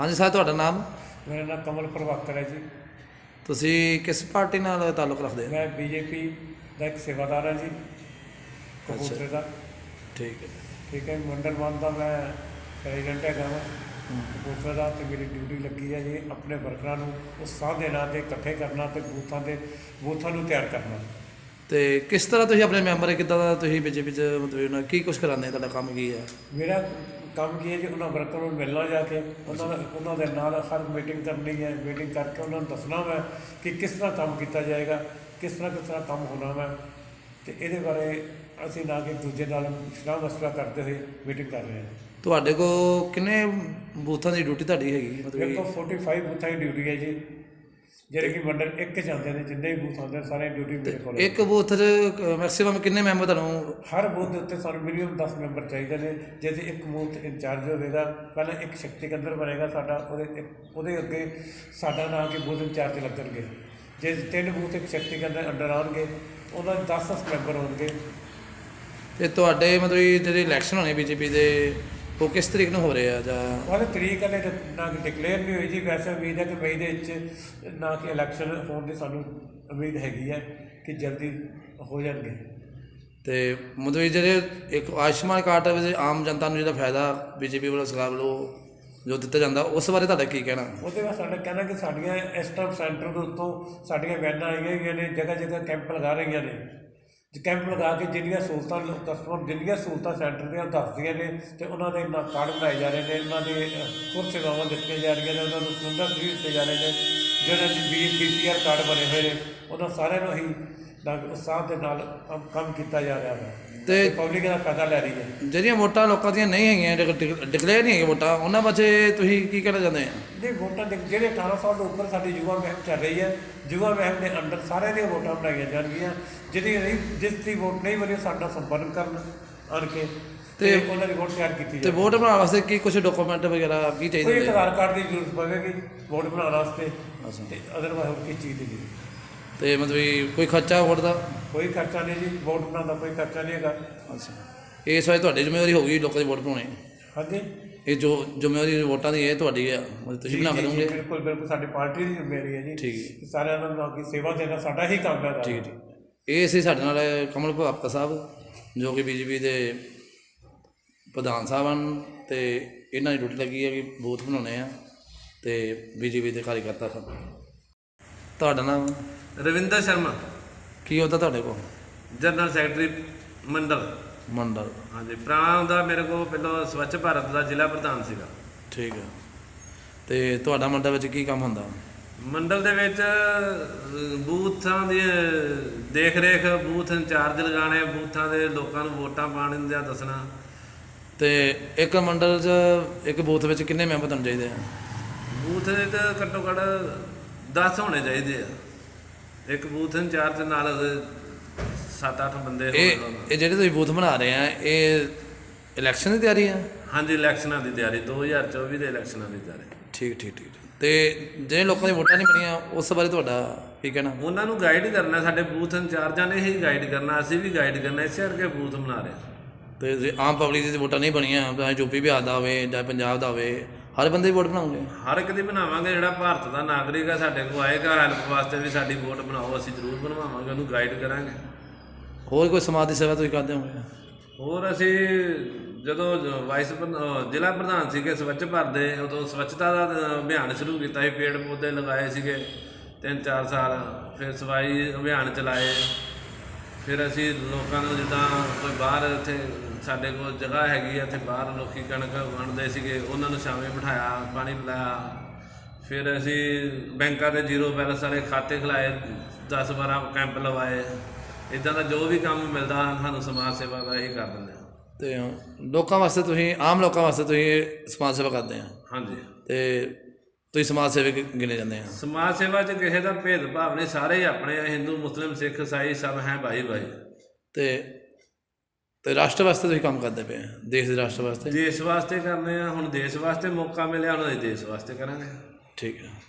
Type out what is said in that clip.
ਹਾਂਜੀ ਸਰ, ਤੁਹਾਡਾ ਨਾਮ? ਮੇਰਾ ਨਾਮ ਕਮਲ ਪ੍ਰਭਾਕਰ ਹੈ ਜੀ। ਤੁਸੀਂ ਕਿਸ ਪਾਰਟੀ ਨਾਲ ਤਾਲੁਕ ਰੱਖਦੇ ਹੋ? ਮੈਂ ਬੀਜੇਪੀ ਦਾ ਇੱਕ ਸੇਵਾਦਾਰ ਹਾਂ ਜੀ, ਕਪੂਰਥਲੇ ਦਾ। ਠੀਕ ਹੈ। ਠੀਕ ਹੈ। ਮੰਡਲ 1 ਦਾ ਮੈਂ ਪ੍ਰੈਜ਼ੀਡੈਂਟ ਹੈਗਾ ਵਾ ਕਪੂਰਥਲੇ ਦਾ, ਅਤੇ ਮੇਰੀ ਡਿਊਟੀ ਲੱਗੀ ਹੈ ਜੀ ਆਪਣੇ ਵਰਕਰਾਂ ਨੂੰ ਉਤਸ਼ਾਹ ਦੇਣਾ ਅਤੇ ਇਕੱਠੇ ਕਰਨਾ ਅਤੇ ਬੂਥਾਂ ਨੂੰ ਤਿਆਰ ਕਰਨਾ। ਅਤੇ ਕਿਸ ਤਰ੍ਹਾਂ ਤੁਸੀਂ ਆਪਣੇ ਮੈਂਬਰ ਕਿੱਦਾਂ ਦਾ ਤੁਸੀਂ ਬੀਜੇਪੀ 'ਚ ਮਤਲਬ ਕੀ ਕੁਛ ਕਰਾਉਂਦੇ? ਤੁਹਾਡਾ ਕੰਮ ਕੀ ਹੈ? ਮੇਰਾ ਕੰਮ ਕੀ ਹੈ ਜੀ, ਉਹਨਾਂ ਵਰਕਰਾਂ ਨੂੰ ਮਿਲਣਾ ਜਾ ਕੇ, ਉਹਨਾਂ ਦੇ ਨਾਲ ਹਰ ਮੀਟਿੰਗ ਕਰਨੀ ਹੈ। ਮੀਟਿੰਗ ਕਰਕੇ ਉਹਨਾਂ ਨੂੰ ਦੱਸਣਾ ਮੈਂ ਕਿ ਕਿਸ ਤਰ੍ਹਾਂ ਕੰਮ ਕੀਤਾ ਜਾਏਗਾ, ਕਿਸ ਤਰ੍ਹਾਂ ਕੰਮ ਹੋਣਾ ਵਾ, ਅਤੇ ਇਹਦੇ ਬਾਰੇ ਅਸੀਂ ਨਾ ਕਿ ਦੂਜੇ ਨਾਲ ਸਲਾਹ ਮਸ਼ਵਰਾ ਕਰਦੇ ਹੋਏ ਮੀਟਿੰਗ ਕਰ ਰਹੇ ਹਾਂ। ਤੁਹਾਡੇ ਕੋਲ ਕਿੰਨੇ ਬੂਥਾਂ ਦੀ ਡਿਊਟੀ ਤੁਹਾਡੀ ਹੈਗੀ? ਮੇਰੇ ਕੋਲ 45 ਬੂਥਾਂ ਦੀ ਡਿਊਟੀ ਹੈ ਜੀ, ਜਿਹੜੇ ਕਿ ਮੰਡਲ 1 'ਚ ਆਉਂਦੇ ਨੇ। ਜਿੰਨੇ ਵੀ ਬੂਥ ਆਉਂਦੇ ਸਾਰੇ ਡਿਊਟੀ ਮੇਰੇ ਕੋਲ। ਇੱਕ ਬੂਥ 'ਚ ਮੈਕਸੀਮਮ ਕਿੰਨੇ ਮੈਂਬਰ ਤੁਹਾਨੂੰ? ਹਰ ਬੂਥ ਦੇ ਉੱਤੇ ਸਾਨੂੰ ਮਿਨੀਮਮ 10 ਮੈਂਬਰ ਚਾਹੀਦੇ ਨੇ। ਜੇ ਇੱਕ ਬੂਥ ਇੰਚਾਰਜ ਹੋਵੇਗਾ, ਪਹਿਲਾਂ ਇੱਕ ਸ਼ਕਤੀ ਕੇਂਦਰ ਬਣੇਗਾ ਸਾਡਾ, ਉਹਦੇ ਅੱਗੇ ਸਾਡਾ ਨਾਂ ਕਿ ਬੂਥ ਇੰਚਾਰਜ ਲੱਗਣਗੇ। ਜੇ 3 ਬੂਥ ਇੱਕ ਸ਼ਕਤੀ ਕੇਂਦਰ ਅੰਡਰ ਆਉਣਗੇ, ਉਹਨਾਂ ਦੇ 10 ਮੈਂਬਰ ਹੋਣਗੇ। ਅਤੇ ਤੁਹਾਡੇ ਮਤਲਬ ਜਿਹੜੇ ਇਲੈਕਸ਼ਨ ਹੋਣੇ ਬੀਜੇਪੀ ਦੇ, ਉਹ ਕਿਸ ਤਰੀਕ ਨੂੰ ਹੋ ਰਹੇ ਆ? ਜਾਂ ਉਹਦੇ ਤਰੀਕ ਹਲੇ ਨਾ ਕਿ ਡਿਕਲੇਅਰ ਨਹੀਂ ਹੋਈ ਜੀ। ਵੈਸੇ ਉਮੀਦ ਹੈ ਕਿ ਮਈ ਦੇ ਵਿੱਚ ਨਾ ਕਿ ਇਲੈਕਸ਼ਨ ਹੋਣ ਦੀ ਸਾਨੂੰ ਉਮੀਦ ਹੈਗੀ ਹੈ ਕਿ ਜਲਦੀ ਹੋ ਜਾਣਗੇ। ਅਤੇ ਮਤਲਬ ਜਿਹੜੇ ਇੱਕ ਆਯੁਸ਼ਮਾਨ ਕਾਰਡ ਵਿੱਚ ਆਮ ਜਨਤਾ ਨੂੰ ਜਿਹੜਾ ਫਾਇਦਾ ਬੀਜੇਪੀ ਵੱਲੋਂ ਸਰਕਾਰ ਵੱਲੋਂ ਜੋ ਦਿੱਤਾ ਜਾਂਦਾ, ਉਸ ਬਾਰੇ ਤੁਹਾਡਾ ਕੀ ਕਹਿਣਾ? ਉਹਦੇ ਬਾਅਦ ਸਾਡਾ ਕਹਿਣਾ ਕਿ ਸਾਡੀਆਂ ਇਸ ਟਾਈਮ ਸੈਂਟਰ ਦੇ ਉੱਤੋਂ ਸਾਡੀਆਂ ਵੈਨਾਂ ਆਈਆਂ ਹੋਈਆਂ ਨੇ, ਜਗ੍ਹਾ ਕੈਂਪ ਲਗਾ ਰਹੀਆਂ ਨੇ। ਕੈਂਪ ਲਗਾ ਕੇ ਜਿੰਨੀਆਂ ਸਹੂਲਤਾਂ ਕਸਟਮਰ ਜਿੰਨੀਆਂ ਸਹੂਲਤਾਂ ਸੈਂਟਰ ਦੀਆਂ ਦੱਸਦੀਆਂ ਨੇ, ਅਤੇ ਉਹਨਾਂ ਦੇ ਨਾਲ ਕਾਰਡ ਬਣਾਏ ਜਾ ਰਹੇ ਨੇ। ਉਹਨਾਂ ਦੇ ਹੋਰ ਸੇਵਾਵਾਂ ਦਿੱਤੀਆਂ ਜਾ ਰਹੀਆਂ ਨੇ। ਉਹਨਾਂ ਨੂੰ ਸਿਲੰਡਰ ਫ੍ਰੀ ਦਿੱਤੇ ਜਾ ਰਹੇ ਨੇ। ਜਿਹੜੇ BPR ਕਾਰਡ ਬਣੇ ਹੋਏ ਨੇ, ਉਹਨਾਂ ਸਾਰਿਆਂ ਨੂੰ ਹੀ ਉਤਸ਼ਾਹ ਦੇ ਨਾਲ ਕੰਮ ਕੀਤਾ ਜਾ ਰਿਹਾ ਹੈ ਅਤੇ ਪਬਲਿਕ ਦਾ ਫਾਇਦਾ ਲੈ ਰਹੀ ਹੈ। ਜਿਹੜੀਆਂ ਵੋਟਾਂ ਲੋਕਾਂ ਦੀਆਂ ਨਹੀਂ ਹੈਗੀਆਂ, ਡਿਕਲੇਅਰ ਨਹੀਂ ਹੈਗੀਆਂ ਵੋਟਾਂ, ਉਹਨਾਂ ਬਾਰੇ ਤੁਸੀਂ ਕੀ ਕਹਿਣਾ ਚਾਹੁੰਦੇ ਆ? ਨਹੀਂ, ਵੋਟਾਂ ਜਿਹੜੇ 18 ਸਾਲ ਤੋਂ ਉੱਪਰ ਸਾਡੀ ਯੁਵਾ ਮੁਹਿੰਮ ਚੱਲ ਰਹੀ ਹੈ, ਯੁਵਾ ਮੁਹਿੰਮ ਦੇ ਅੰਡਰ ਸਾਰਿਆਂ ਦੀਆਂ ਵੋਟਾਂ ਬਣਾਈਆਂ ਜਾਣਗੀਆਂ। ਜਿਸ ਦੀ ਵੋਟ ਨਹੀਂ ਬਣੀ, ਸਾਡਾ ਸੰਪਰਕ ਕਰਨ ਆਣ ਕੇ ਅਤੇ ਉਹਨਾਂ ਦੀ ਵੋਟ ਤਿਆਰ ਕੀਤੀ ਜਾਵੇ। ਅਤੇ ਵੋਟ ਬਣਾਉਣ ਵਾਸਤੇ ਕੀ ਕੁਛ ਡਾਕੂਮੈਂਟ ਵਗੈਰਾ ਕੀ ਚਾਹੀਦੇ? ਕੋਈ ਆਧਾਰ ਕਾਰਡ ਦੀ ਜ਼ਰੂਰਤ ਪਵੇਗੀ ਵੋਟ ਬਣਾਉਣ ਵਾਸਤੇ, ਅਤੇ ਅਦਰਵਾਈਜ਼ ਹੋਰ ਕਿਸ ਚੀਜ਼ ਦੀ ਜ਼ਰੂਰਤ? ਅਤੇ ਮਤਲਬ ਕੋਈ ਖਰਚਾ ਵੋਟ ਦਾ? ਕੋਈ ਖਰਚਾ ਨਹੀਂ ਜੀ, ਵੋਟ ਬਣਾਉਣ ਦਾ ਕੋਈ ਖਰਚਾ ਨਹੀਂ ਹੈਗਾ। ਅੱਛਾ, ਇਸ ਵਾਰ ਤੁਹਾਡੀ ਜ਼ਿੰਮੇਵਾਰੀ ਹੋਊਗੀ ਲੋਕਾਂ ਦੀ ਵੋਟ ਬਣਾਉਣੀ? ਹਾਂਜੀ, ਇਹ ਜੋ ਜ਼ਿੰਮੇਵਾਰੀ ਵੋਟਾਂ ਦੀ ਇਹ ਤੁਹਾਡੀ ਹੈ, ਮਤਲਬ ਤੁਸੀਂ ਬਣਾ ਕੇ ਦੇਵੋਗੇ? ਬਿਲਕੁਲ ਸਾਡੀ ਪਾਰਟੀ ਦੀ ਜ਼ਿੰਮੇਵਾਰੀ ਹੈ ਜੀ। ਠੀਕ ਹੈ। ਸਾਰਿਆਂ ਨੂੰ ਅੱਗੇ ਸੇਵਾ ਦੇਣਾ ਸਾਡਾ ਹੀ ਕੰਮ ਹੈ। ਠੀਕ। ਇਹ ਸੀ ਸਾਡੇ ਨਾਲ ਕਮਲ ਪ੍ਰਭਾਕਰ ਸਾਹਿਬ, ਜੋ ਕਿ ਬੀਜੇਪੀ ਦੇ ਪ੍ਰਧਾਨ ਸਾਹਿਬ ਹਨ, ਅਤੇ ਇਹਨਾਂ ਦੀ ਡਿਊਟੀ ਲੱਗੀ ਹੈ ਕਿ ਬੂਥ ਬਣਾਉਣੇ ਆ, ਅਤੇ ਬੀਜੇਪੀ ਦੇ ਕਾਰਜਕਰਤਾ ਸਨ। ਤੁਹਾਡਾ ਨਾਮ? ਰਵਿੰਦਰ ਸ਼ਰਮਾ, ਕੀ ਉਹਦਾ ਤੁਹਾਡੇ ਕੋਲ? ਜਨਰਲ ਸੈਕਟਰੀ ਮੰਡਲ। ਹਾਂਜੀ, ਪ੍ਰਾਣ ਦਾ ਮੇਰੇ ਕੋਲ ਪਹਿਲਾਂ ਸਵੱਛ ਭਾਰਤ ਦਾ ਜ਼ਿਲ੍ਹਾ ਪ੍ਰਧਾਨ ਸੀਗਾ। ਠੀਕ ਹੈ। ਅਤੇ ਤੁਹਾਡਾ ਮੰਡਲ ਵਿੱਚ ਕੀ ਕੰਮ ਹੁੰਦਾ? ਮੰਡਲ ਦੇ ਵਿੱਚ ਬੂਥਾਂ ਦੀ ਦੇਖ ਰੇਖ, ਬੂਥ ਇੰਚਾਰਜ ਲਗਾਉਣੇ, ਬੂਥਾਂ ਦੇ ਲੋਕਾਂ ਨੂੰ ਵੋਟਾਂ ਪਾਉਣ ਦਾ ਦੱਸਣਾ। ਅਤੇ ਇੱਕ ਮੰਡਲ 'ਚ ਇੱਕ ਬੂਥ ਵਿੱਚ ਕਿੰਨੇ ਮੈਂਬਰ ਤੁਹਾਨੂੰ ਚਾਹੀਦੇ ਆ? ਬੂਥ ਦੇ ਤਾਂ ਘੱਟੋ ਘੱਟ 10 ਹੋਣੇ ਚਾਹੀਦੇ ਆ। ਇੱਕ ਬੂਥ ਇੰਚਾਰਜ ਨਾਲ 7-8 ਬੰਦੇ। ਇਹ ਜਿਹੜੇ ਤੁਸੀਂ ਬੂਥ ਬਣਾ ਰਹੇ ਆ, ਇਹ ਇਲੈਕਸ਼ਨ ਦੀ ਤਿਆਰੀ ਆ? ਹਾਂਜੀ, ਇਲੈਕਸ਼ਨਾਂ ਦੀ ਤਿਆਰੀ, 2024 ਦੇ ਇਲੈਕਸ਼ਨਾਂ ਦੀ ਤਿਆਰੀ। ਠੀਕ। ਅਤੇ ਜਿਹੜੇ ਲੋਕਾਂ ਦੀ ਵੋਟਾਂ ਨਹੀਂ ਬਣੀਆਂ, ਉਸ ਬਾਰੇ ਤੁਹਾਡਾ ਕੀ ਕਹਿਣਾ? ਉਹਨਾਂ ਨੂੰ ਗਾਈਡ ਕਰਨਾ, ਸਾਡੇ ਬੂਥ ਇੰਚਾਰਜਾਂ ਨੇ ਹੀ ਗਾਈਡ ਕਰਨਾ, ਅਸੀਂ ਵੀ ਗਾਈਡ ਕਰਨਾ, ਇਸੇ ਕਰਕੇ ਬੂਥ ਬਣਾ ਰਹੇ ਹਾਂ। ਅਤੇ ਆਮ ਪਬਲਿਕ ਦੀ ਵੋਟਾਂ ਨਹੀਂ ਬਣੀਆਂ, ਚਾਹੇ ਯੂਪੀ ਬਿਹਾਰ ਦਾ ਹੋਵੇ ਜਾਂ ਪੰਜਾਬ ਦਾ ਹੋਵੇ, ਹਰ ਬੰਦੇ ਦੀ ਵੋਟ ਬਣਾਓਗੇ? ਹਰ ਇੱਕ ਦੀ ਬਣਾਵਾਂਗੇ। ਜਿਹੜਾ ਭਾਰਤ ਦਾ ਨਾਗਰਿਕ ਹੈ, ਸਾਡੇ ਕੋਲ ਆਏਗਾ ਹੈਲਪ ਵਾਸਤੇ ਵੀ ਸਾਡੀ ਵੋਟ ਬਣਾਓ, ਅਸੀਂ ਜ਼ਰੂਰ ਬਣਵਾਵਾਂਗੇ, ਉਹਨੂੰ ਗਾਈਡ ਕਰਾਂਗੇ। ਹੋਰ ਕੋਈ ਸਮਾਜ ਦੀ ਸੇਵਾ ਤੁਸੀਂ ਕਰਦੇ ਹੋਗੇ? ਹੋਰ ਅਸੀਂ ਜਦੋਂ ਜ਼ਿਲ੍ਹਾ ਪ੍ਰਧਾਨ ਸੀਗੇ ਸਵੱਛ ਭਾਰਤ ਦੇ, ਉਦੋਂ ਸਵੱਛਤਾ ਦਾ ਅਭਿਆਨ ਸ਼ੁਰੂ ਕੀਤਾ ਸੀ। ਪੇੜ ਪੌਦੇ ਲਗਾਏ ਸੀਗੇ 3-4 ਸਾਲ, ਫਿਰ ਸਫਾਈ ਅਭਿਆਨ ਚਲਾਏ। ਫਿਰ ਅਸੀਂ ਲੋਕਾਂ ਨੂੰ, ਜਿੱਦਾਂ ਕੋਈ ਬਾਹਰ ਇੱਥੇ ਸਾਡੇ ਕੋਲ ਜਗ੍ਹਾ ਹੈਗੀ ਆ, ਇੱਥੇ ਬਾਹਰ ਲੋਕ ਕਣਕ ਵੰਡਦੇ ਸੀਗੇ, ਉਹਨਾਂ ਨੂੰ ਛਾਵੇਂ ਬਿਠਾਇਆ, ਪਾਣੀ ਪਿਲਾਇਆ। ਫਿਰ ਅਸੀਂ ਬੈਂਕਾਂ ਦੇ 0 ਬੈਲੈਂਸ ਵਾਲੇ ਖਾਤੇ ਖੁਲਾਏ, 10-12 ਕੈਂਪ ਲਵਾਏ। ਇੱਦਾਂ ਦਾ ਜੋ ਵੀ ਕੰਮ ਮਿਲਦਾ ਸਾਨੂੰ ਸਮਾਜ ਸੇਵਾ ਦਾ ਇਹੀ ਕਰ ਦਿੰਦੇ ਹਾਂ। ਅਤੇ ਲੋਕਾਂ ਵਾਸਤੇ ਤੁਸੀਂ, ਆਮ ਲੋਕਾਂ ਵਾਸਤੇ ਤੁਸੀਂ ਸਮਾਜ ਸੇਵਾ ਕਰਦੇ ਆ? ਹਾਂਜੀ। ਅਤੇ ਤੁਸੀਂ ਸਮਾਜ ਸੇਵਕ ਗਿਣੇ ਜਾਂਦੇ ਆ? ਸਮਾਜ ਸੇਵਾ 'ਚ ਕਿਸੇ ਦਾ ਭੇਦਭਾਵ ਨਹੀਂ, ਸਾਰੇ ਹੀ ਆਪਣੇ, ਹਿੰਦੂ ਮੁਸਲਿਮ ਸਿੱਖ ਈਸਾਈ ਸਭ ਹੈ ਭਾਈ। ਅਤੇ ਰਾਸ਼ਟਰ ਵਾਸਤੇ ਤੁਸੀਂ ਕੰਮ ਕਰਦੇ ਪਏ ਆ? ਦੇਸ਼ ਦੇ ਰਾਸ਼ਟਰ ਵਾਸਤੇ? ਦੇਸ਼ ਵਾਸਤੇ ਕਰਦੇ ਆ। ਹੁਣ ਦੇਸ਼ ਵਾਸਤੇ ਮੌਕਾ ਮਿਲਿਆ, ਹੁਣ ਅਸੀਂ ਦੇਸ਼ ਵਾਸਤੇ ਕਰਾਂਗੇ। ਠੀਕ ਹੈ।